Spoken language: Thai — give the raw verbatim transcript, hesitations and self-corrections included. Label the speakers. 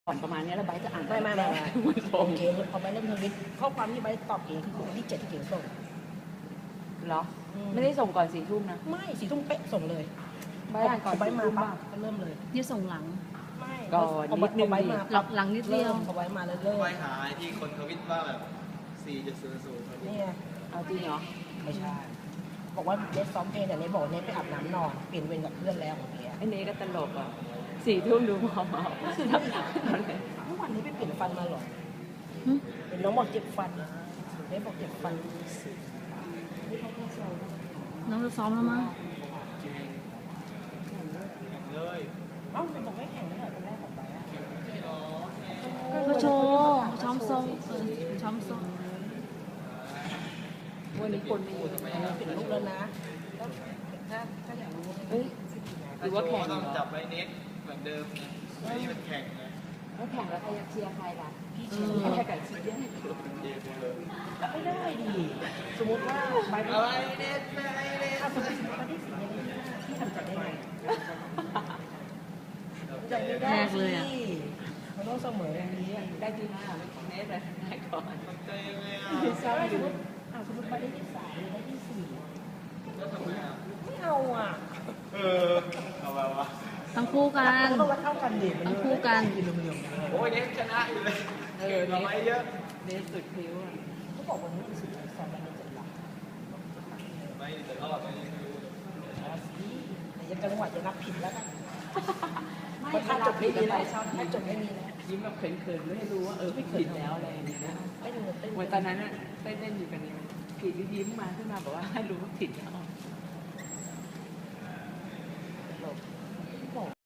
Speaker 1: ก่อนประมาณนี้แล้วใบจะอ่าน
Speaker 2: ไม่ไม่ไม่ไม่
Speaker 1: ไม่ส่
Speaker 2: โอง เคพอไปเล่นทวิตข้อความที่ไปตอบเองคือคนที่เจ็ดที่เขียนส่ง
Speaker 1: เหรอ
Speaker 2: อืม
Speaker 1: ไม่ได้ส่งก่อนสี่ทุ่มนะ
Speaker 2: ไม่สี่ทุ่มเป๊ะส่งเลย
Speaker 1: ใบอ่านก่อน
Speaker 2: พอใบ
Speaker 1: สี่
Speaker 2: มา
Speaker 1: ทุ่ม
Speaker 2: ปั๊บ
Speaker 1: ป่ะ
Speaker 2: ก็เริ่มเลย
Speaker 3: ที่ส่งหลัง
Speaker 2: ไม่
Speaker 1: ก่อน
Speaker 2: พอ
Speaker 1: นิดนึง
Speaker 2: พอใบ
Speaker 1: ดิ
Speaker 2: มา
Speaker 3: หลังหลังนิดเดียว
Speaker 2: ริ่มพอใบมาแล้วเริ่ม
Speaker 4: ไปหาไอ้ที่คนทวิตว่าแบบสี่จุดศูนย์ศูนย์
Speaker 2: นี่ไง
Speaker 1: เอาจริงเหรอ
Speaker 2: ไม่ใช่ บอกว่าเนสซ้อมเพลงแต่เนสบอกว่าเนสไปอาบน้ำนอนเปลี่ยนเวรกับเพื่อนแล้วของเนี้ย
Speaker 1: ไอ้เนก็ตลกอ่ะสี่ทุ่มดูพอเมา
Speaker 2: เมื่อวานนี้ไปเปลี่ยนฟันมาเหรอ
Speaker 3: หึ
Speaker 2: เป็นน้องบอกเจ็บฟันเนสบอกเจ็บฟัน
Speaker 3: น้องจะซ้อมแล้วมั้ง
Speaker 4: เลย
Speaker 2: เอ้าเป็นบอกไม่แข่งไม่เหรอคนแรกของใบอะ
Speaker 3: ก็โชว์ช้อมทรงเออช้อมทรง
Speaker 1: วันนี้คนไม่อยู่
Speaker 2: เปลี่ยนลูกแล้วนะแล้วถ้าถ้าอยากรู้
Speaker 1: เอ้ยหรือว่าแข่ง
Speaker 4: ต้อง
Speaker 1: เหรอ
Speaker 4: จับไว้เน็กเหมือนเดิมนะอันนี้มันแข่งนะ
Speaker 1: แล้วแข่งแล้วใครจะเชียร์ใครล่ะ
Speaker 2: พี่
Speaker 1: เอ
Speaker 2: เชียร์
Speaker 1: อ
Speaker 2: ไม่
Speaker 1: แข่
Speaker 2: ได้
Speaker 1: งกับเชียร์
Speaker 4: เย็นเลย
Speaker 2: ไม่ได้ดิสมมติว่าใบไม่
Speaker 4: เอาไอ้เน็กไปไอ้เน็ก
Speaker 2: ถ้าสมมติว่าที่สี่ยังไม่ได้ที่ทำใจได้ไงใจไม่ได้สิมันต้องเสมออย่างนี้
Speaker 1: ได้ที่ห้าไม่ของเนสเลยได้ก่อน
Speaker 4: ทำใจยังไงอ่ะ
Speaker 2: ใช่สมมติอ่าสมมติใบได้ที่สามหรือได้ที่สี่
Speaker 4: แล้วทำไมอ่ะ
Speaker 2: ไม่เอาอ่ะ
Speaker 4: เออเอาไปวะ
Speaker 3: ทั้งคู่กัน
Speaker 2: ต้องวัดเท่ากันดิมัน
Speaker 3: ทั้งคู่กัน
Speaker 2: เหลื่อมๆ
Speaker 4: โอ้ยเน็กชนะอยู่เลย
Speaker 1: เออ
Speaker 4: เราไปเยอะ
Speaker 1: เนสสุดคิ้วอ่ะ
Speaker 2: เขาบอกวันนี้เป็นสิ่งที่สอนมันจะหลับ
Speaker 4: ไม่แต่รอบไม่รู้
Speaker 2: อ๋อสิแต่ยังจังหวะจะนับผิดแล้วกัน
Speaker 1: ไม่
Speaker 2: เพราะถ้าจบไม่มีแล้ว
Speaker 1: ชอบ
Speaker 2: ถ้าจบไม่มีแล้ว
Speaker 1: ยิ้มแบบเขินๆไม่ให้รู้ว่าเออไม่ผิดแล้วอะไรอย่างเงี้ยนะ
Speaker 2: ไม่ดูเต้น
Speaker 1: เหมือนตอนนั้นอะเต้นเล่นอยู่กันนี่ผิดยิ้มมาขึ้นมาบอกว่าให้รู้ว่าผิดแล้ว